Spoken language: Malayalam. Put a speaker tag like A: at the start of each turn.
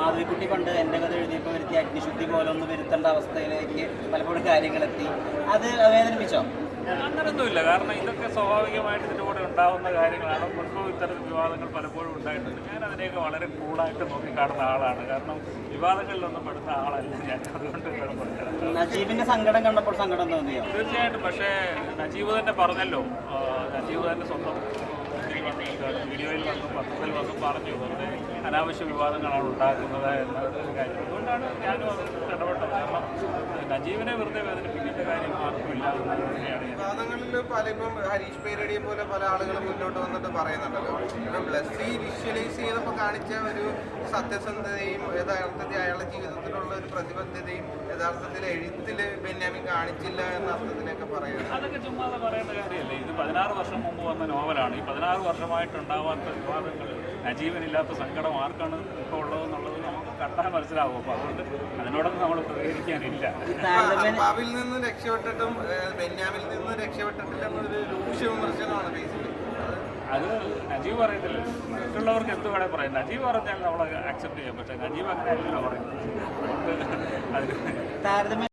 A: മാധവിക്കുട്ടി പണ്ട് എൻ്റെ കഥ എഴുതിയപ്പോൾ വരുത്തിയ അഗ്നിശുദ്ധി പോലെ ഒന്ന് വരുത്തേണ്ട അവസ്ഥയിലേക്ക് പലപ്പോഴും കാര്യങ്ങളെത്തി. അത് വേദനിപ്പിച്ചോ?
B: അങ്ങനൊന്നുമില്ല. കാരണം ഇതൊക്കെ സ്വാഭാവികമായിട്ട് ഇതിൻ്റെ കൂടെ ഉണ്ടാകുന്ന കാര്യങ്ങളാണ്. മുൻപ് ഇത്തരം വിവാദങ്ങൾ പലപ്പോഴും ഉണ്ടായിട്ടുണ്ട്. ഞാൻ അതിനെയൊക്കെ വളരെ കൂളായിട്ട് നോക്കിക്കാണുന്ന ആളാണ്. കാരണം വിവാദങ്ങളിലൊന്നും പെടുന്ന ആളല്ല ഞാൻ. അതുകൊണ്ട് കുഴപ്പമില്ല.
A: നജീബിന്റെ സങ്കടം കണ്ടപ്പോൾ സങ്കടം തോന്നിയോ?
B: തീർച്ചയായിട്ടും. പക്ഷേ നജീബ് തന്നെ പറഞ്ഞല്ലോ, നജീബ് തന്നെ സ്വന്തം വീഡിയോയിൽ വന്നും പത്രത്തിൽ വന്നും പറഞ്ഞു വെറുതെ അനാവശ്യ വിവാദങ്ങളാണ് ഉണ്ടാക്കുന്നത് എന്നൊരു കാര്യം. അതുകൊണ്ടാണ് ഞാനും അത് ഇടപെട്ടത്. കാരണം നജീബിനെ വെറുതെ വേദനിപ്പിക്കേണ്ട കാര്യം ആർക്കുമില്ല എന്നത് തന്നെയാണ്.
C: വിവാദങ്ങളിൽ ഇപ്പം ഹരീഷ് പേരടിയെ പോലെ പല ആളുകളും മുന്നോട്ട് വന്നിട്ട് പറയുന്നുണ്ടല്ലോ. ഇപ്പം ബ്ലസ്സി വിഷ്വലൈസ് ചെയ്തപ്പോൾ കാണിച്ച ഒരു സത്യസന്ധതയും യഥാർത്ഥത്തിൽ അയാളുടെ ജീവിതത്തിലുള്ള ഒരു പ്രതിബദ്ധതയും യഥാർത്ഥത്തിൽ എഴുത്തിൽ ബെന്യാമിൻ കാണിച്ചില്ല എന്ന അർത്ഥത്തിലൊക്കെ പറയുന്നത്
B: അതൊക്കെ ചുമ്മാതെ പറയേണ്ട കാര്യമല്ലേ. ഇത് 16 വർഷം മുമ്പ് വന്ന നോവലാണ്. ഈ 16 വർഷമായിട്ടുണ്ടാവാത്ത വിവാദങ്ങൾ, നജീബിനില്ലാത്ത സങ്കടം ആർക്കാണ് ഇപ്പോൾ ഉള്ളതെന്നുള്ളത് നമുക്ക് കണ്ടാൽ മനസ്സിലാവും. അപ്പോൾ അതുകൊണ്ട് അതിനോടൊന്നും നമ്മൾ പ്രതികരിക്കാനില്ല.
C: അപ്പാവിൽ നിന്ന് രക്ഷപ്പെട്ടിട്ടും ബെന്യാമിൽ നിന്ന് രക്ഷപ്പെട്ടിട്ടില്ല എന്നൊരു രൂക്ഷ വിമർശനമാണ് ബേസിക്കലി.
B: അത് നജീബ് പറയത്തില്ല. മറ്റുള്ളവർക്ക് എന്ത് വേണേൽ പറയാം. നജീബ് പറഞ്ഞാൽ നമ്മൾ അക്സെപ്റ്റ് ചെയ്യാം. പക്ഷേ നജീബ് അങ്ങനെ അല്ലല്ലോ പറയുന്നത്. അതുകൊണ്ട് അതിന്